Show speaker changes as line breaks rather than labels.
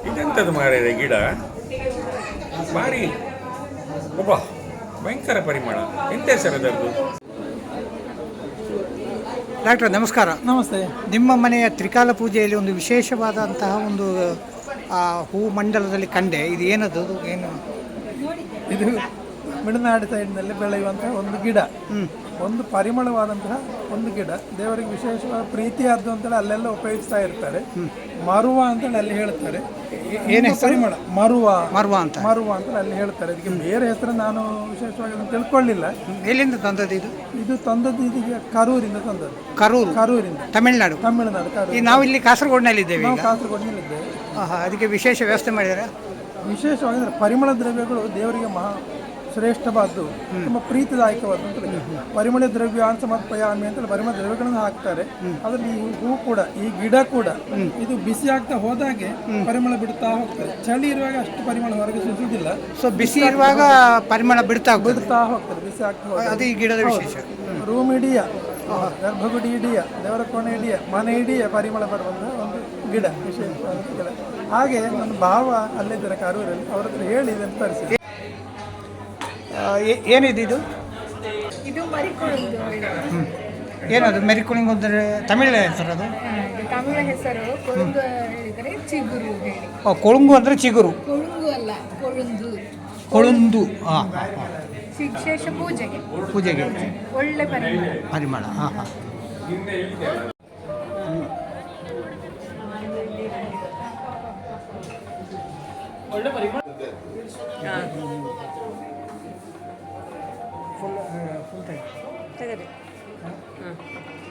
ಇದೆಂಥದ್ದು ಮಾರಿದೆ ಗಿಡ ಭಾರಿ ಒಬ್ಬ ಭಯಂಕರ ಪರಿಮಳ. ಎಂತ ಹೆಸರು ಅದರದ್ದು?
ಡಾಕ್ಟರ್ ನಮಸ್ಕಾರ.
ನಮಸ್ತೆ.
ನಿಮ್ಮ ಮನೆಯ ತ್ರಿಕಾಲ ಪೂಜೆಯಲ್ಲಿ ಒಂದು ವಿಶೇಷವಾದಂತಹ ಒಂದು ಹೂ ಮಂಡಲದಲ್ಲಿ ಕಂಡೆ. ಇದು ಏನದು? ಏನು
ಇದು ಮಿಡನಾಡು ಸೈಡ್ನಲ್ಲಿ ಬೆಳೆಯುವಂತಹ ಒಂದು ಗಿಡ, ಒಂದು ಪರಿಮಳವಾದಂತಹ ಒಂದು ಗಿಡ. ದೇವರಿಗೆ ವಿಶೇಷವಾದ ಪ್ರೀತಿಯಾದ್ದು ಅಂತೇಳಿ ಅಲ್ಲೆಲ್ಲ ಉಪಯೋಗಿಸ್ತಾ ಇರ್ತಾರೆ. ಮರುವ ಅಂತೇಳಿ ಅಲ್ಲಿ ಹೇಳ್ತಾರೆ.
ಏನು
ಪರಿಮಳ ಮರುವ
ಅಂತ
ಅಲ್ಲಿ ಹೇಳ್ತಾರೆ. ಇದಕ್ಕೆ ಬೇರೆ ಹೆಸರು ನಾನು ವಿಶೇಷವಾಗಿ ತಿಳ್ಕೊಳ್ಳಿಲ್ಲ.
ಎಲ್ಲಿಂದ ತಂದದ್ದು ಇದು?
ಇದು ತಂದದ್ದು ಇದೀಗ ಕರೂರಿಂದ ತಂದದ್ದು. ಕರೂರಿಂದ,
ತಮಿಳುನಾಡು.
ಕರೂರು.
ನಾವು ಇಲ್ಲಿ ಕಾಸರಗೋಡಿನಲ್ಲಿದ್ದೇವೆ.
ನಾವು ಕಾಸರಗೋಡಿನಲ್ಲಿದ್ದೇವೆ.
ಅದಕ್ಕೆ ವಿಶೇಷ ವ್ಯವಸ್ಥೆ ಮಾಡಿದ್ದಾರೆ.
ವಿಶೇಷವಾಗಿ ಅಂದರೆ ಪರಿಮಳ ದ್ರವ್ಯಗಳು ದೇವರಿಗೆ ಶ್ರೇಷ್ಠವಾದ್ದು, ತುಂಬ ಪ್ರೀತಿದಾಯಕವಾದಂಥ ಪರಿಮಳ ದ್ರವ್ಯ ಅಂತ ಸಮರ್ಪಯಾಮಿ ಅಂತೇಳಿ ಪರಿಮಳ ದ್ರವ್ಯಗಳನ್ನು ಹಾಕ್ತಾರೆ. ಅದರಲ್ಲಿ ಈ ಹೂ ಕೂಡ, ಈ ಗಿಡ ಕೂಡ ಇದು ಬಿಸಿ ಆಗ್ತಾ ಹೋದಾಗೆ ಪರಿಮಳ ಬಿಡ್ತಾ ಹೋಗ್ತಾರೆ. ಚಳಿ ಇರುವಾಗ ಅಷ್ಟು ಪರಿಮಳ ಹೊರಗೆ ಸೂಸುವುದಿಲ್ಲ.
ಸೊ ಬಿಸಿ ಇರುವಾಗ ಪರಿಮಳ ಬಿಡ್ತಾ
ಹೋಗ್ತಾರೆ. ಬಿಸಿ ಆಗ್ತಾ ಹೋಗ್ತಾರೆ.
ಅದು ಈ ಗಿಡದ ವಿಶೇಷ.
ರೂಮ್ ಇಡಿಯ, ಗರ್ಭಗುಡಿ ಇಡಿಯ, ದೇವರ ಕೋಣೆ ಇಡಿಯ, ಮನೆ ಇಡಿಯ ಪರಿಮಳ ಬರುವಂತಹ ಒಂದು ಗಿಡ, ವಿಶೇಷವಾದ ಗಿಡ. ಹಾಗೆ ನನ್ನ ಭಾವ ಅಲ್ಲಿದ್ದಾರೆ ಕಾರೂರಲ್ಲಿ, ಅವ್ರ ಹತ್ರ ಹೇಳಿ ಇದನ್ನು ತರಿಸಿ.
ಏನಿದೆ ಇದು?
ಇದು ಮರಿಕುಳುಂಗು.
ಏನದು ಮೆರಿಕುಳಿಂಗ್ ಅಂದರೆ ತಮಿಳ ಹೆಸರು? ಅದು
ತಮಿಳ ಹೆಸರು. ಕೊಳುಂಗು ಹೇಳಿದರೆ ಚಿಗುರು ಹೇಳಿ.
ಕೊಳುಂಗು ಅಂದರೆ ಚಿಗುರು.
ಕೊಳುಂಗು ಅಲ್ಲ,
ಕೊಳುಂದು.
ವಿಶೇಷ ಪೂಜೆಗೆ ಒಳ್ಳೆ
ಪರಿಮಳ.
ಒಳ್ಳೆ ಪರಿಮಳ.
ಫುಲ್ ಟೈಮ್
ತೆಗರಿ. ಹಾಂ.